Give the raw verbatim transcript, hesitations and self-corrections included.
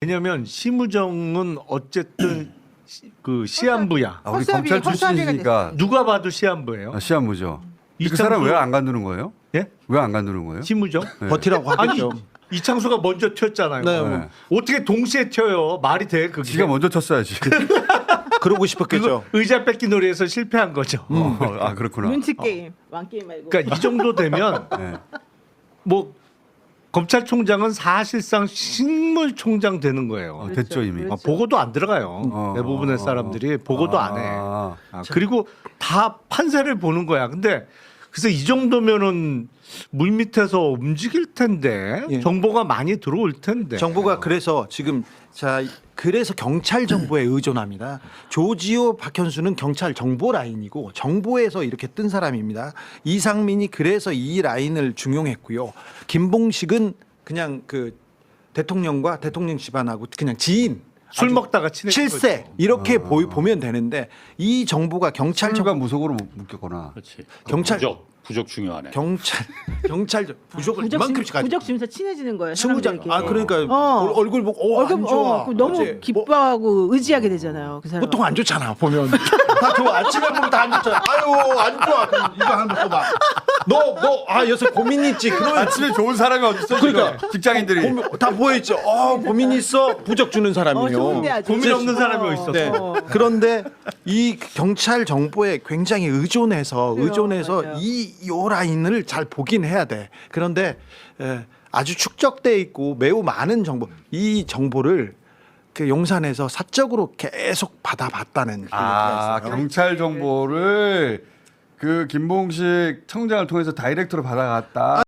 왜냐하면 심우정은 어쨌든 시, 그 시한부야. 아, 우리 허수아비, 검찰 허수아비가 출신이니까 누가 봐도 시한부예요. 아, 시한부죠. 그 이창수- 사람 왜 안 간두는 거예요? 예? 왜 안 간두는 거예요? 심우정? 네. 버티라고 아니 하겠죠. 이창수가 먼저 튀었잖아요. 네. 네. 어떻게 동시에 튀어요? 말이 돼? 그게. 지가 먼저 쳤어야지. 그러고 싶었겠죠. 그거 의자 뺏기 놀이에서 실패한 거죠. 어, 아 그렇구나. 눈치 게임, 왕 게임 말고. 그러니까 이 정도 되면 네. 뭐 검찰총장은 사실상 식물총장 되는 거예요. 어, 됐죠 이미. 그렇죠. 아, 보고도 안 들어가요. 어, 대부분의 어, 사람들이 보고도 안 해. 아, 아, 그리고 다 판세를 보는 거야. 근데 그래서 이 정도면은 물 밑에서 움직일 텐데 예. 정보가 많이 들어올 텐데. 정부가 그래서 지금 자 그래서 경찰 정보에 의존합니다. 조지호 박현수는 경찰 정보 라인이고 정보에서 이렇게 뜬 사람입니다. 이상민이 그래서 이 라인을 중용했고요. 김봉식은 그냥 그 대통령과 대통령 집안하고 그냥 지인 술 아주 먹다가 친해진 실세 거죠. 이렇게 아. 보, 보면 되는데 이 정보가 경찰 철주가 정 무속으로 묶였거나. 그렇지. 경찰- 부적 부적 중요하네. 경찰 경찰 부족을 부적 이만큼씩 주- 가지고 부적 주면서 친해지는 거예요. 승우장 사람들에게. 아 그러니까 어. 얼- 얼굴 보고 어, 얼굴 안 좋아. 어, 너무 어제 뭐 기뻐하고 의지하게 되잖아요. 그 사람. 보통 안 좋잖아 보면 다 좋아 아침에 보면 다 안 좋잖아. 아유 안 좋아. 그럼 이거 한번 써봐. 너너아 요새 고민 있지. 그러면 아침에 좋은 사람이 어딨어? 그러니까. 지금? 직장인들이. 고민, 다 보여있죠. 어 고민 있어 부적 주는 어, 사람이에요. 좋은데 아주. 고민 없는 사람이 어디 있어? 네. 어. 그런데 이 경찰 정보에 굉장히 의존해서 그래요, 의존해서 맞아요. 이 요 라인을 잘 보긴 해야 돼. 그런데 에, 아주 축적돼 있고 매우 많은 정보 이 정보를 그 용산에서 사적으로 계속 받아봤다는 아 얘기가 있어요. 경찰 정보를 그 김봉식 청장을 통해서 다이렉트로 받아갔다.